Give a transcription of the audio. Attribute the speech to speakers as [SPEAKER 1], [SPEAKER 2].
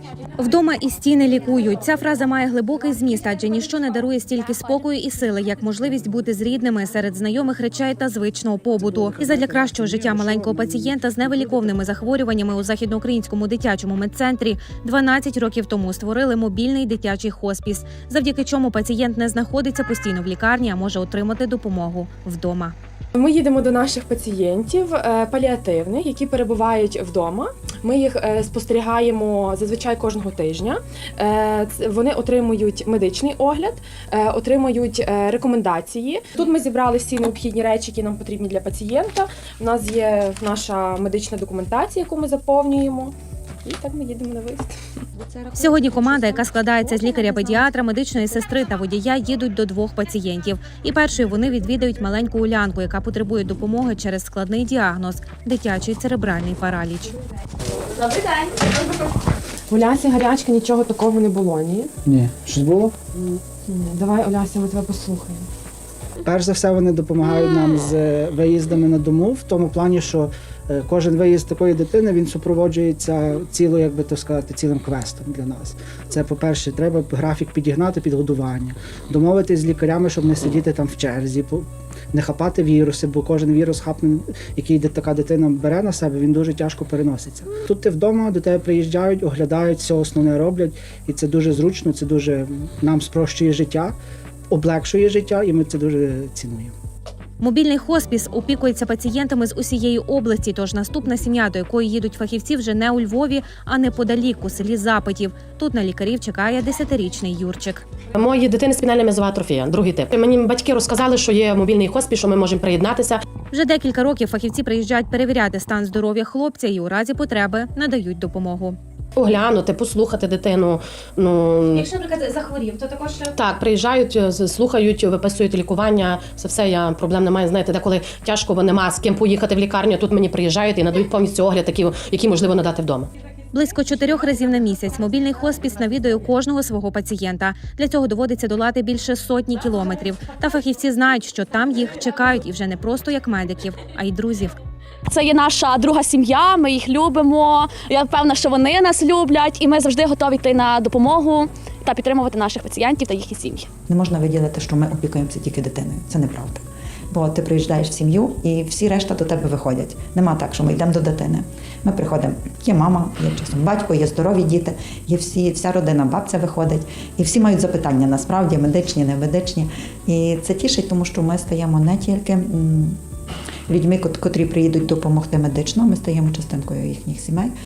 [SPEAKER 1] Вдома і стіни лікують. Ця фраза має глибокий зміст, адже ніщо не дарує стільки спокою і сили, як можливість бути з рідними серед знайомих речей та звичного побуту. І задля кращого життя маленького пацієнта з невиліковними захворюваннями у Західноукраїнському дитячому медцентрі 12 років тому створили мобільний дитячий хоспіс, завдяки чому пацієнт не знаходиться постійно в лікарні, а може отримати допомогу вдома.
[SPEAKER 2] Ми їдемо до наших пацієнтів паліативних, які перебувають вдома. Ми їх спостерігаємо зазвичай кожного тижня. Вони отримують медичний огляд, отримують рекомендації. Тут ми зібрали всі необхідні речі, які нам потрібні для пацієнта. У нас є наша медична документація, яку ми заповнюємо. І так ми їдемо на виїзд.
[SPEAKER 1] Сьогодні команда, яка складається з лікаря-педіатра, медичної сестри та водія, їдуть до 2 пацієнтів. І першою вони відвідають маленьку Улянку, яка потребує допомоги через складний діагноз – дитячий церебральний параліч.
[SPEAKER 3] Добрий день.
[SPEAKER 2] Улясі гарячки, нічого такого не було, ні?
[SPEAKER 4] Ні. Щось було?
[SPEAKER 2] Давай, Улясі, ми тебе послухаємо.
[SPEAKER 4] Перш за все, вони допомагають нам з виїздами на дому, в тому плані, що кожен виїзд такої дитини, він супроводжується цілим квестом для нас. Це, по-перше, треба графік підігнати під годування, домовитись з лікарями, щоб не сидіти там в черзі, не хапати віруси, бо кожен вірус, який така дитина бере на себе, він дуже тяжко переноситься. Тут ти вдома, до тебе приїжджають, оглядають, все основне роблять, і це дуже зручно, це дуже нам спрощує життя, облегшує життя, і ми це дуже цінуємо.
[SPEAKER 1] Мобільний хоспіс опікується пацієнтами з усієї області, тож наступна сім'я, до якої їдуть фахівці, вже не у Львові, а неподалік, у селі Запитів. Тут на лікарів чекає 10-річний Юрчик.
[SPEAKER 5] Моїй дитини спінальна м'язова атрофія, другий тип. Мені батьки розказали, що є мобільний хоспіс, що ми можемо приєднатися.
[SPEAKER 1] Вже декілька років фахівці приїжджають перевіряти стан здоров'я хлопця і у разі потреби надають допомогу.
[SPEAKER 5] Оглянути, послухати дитину.
[SPEAKER 3] Якщо, наприклад, захворів, то також...
[SPEAKER 5] Так, приїжджають, слухають, виписують лікування, все, я проблем немає. Знаєте, деколи тяжко, бо нема з ким поїхати в лікарню, тут мені приїжджають і надають повністю огляд, який можливо надати вдома.
[SPEAKER 1] Близько 4 разів на місяць мобільний хоспіс навідує кожного свого пацієнта. Для цього доводиться долати більше сотні кілометрів. Та фахівці знають, що там їх чекають і вже не просто як медиків, а й друзів.
[SPEAKER 6] Це є наша друга сім'я, ми їх любимо. Я впевнена, що вони нас люблять, і ми завжди готові йти на допомогу та підтримувати наших пацієнтів та їхні сім'ї.
[SPEAKER 7] Не можна виділити, що ми опікуємося тільки дитиною. Це неправда. Бо ти приїжджаєш в сім'ю і всі решта до тебе виходять. Нема так, що ми йдемо до дитини. Ми приходимо, є мама, є часом батько, є здорові діти, є вся родина, бабця виходить. І всі мають запитання, насправді, медичні, не медичні. І це тішить, тому що ми стаємо не тільки людьми, котрі приїдуть допомогти медично, ми стаємо частинкою їхніх сімей.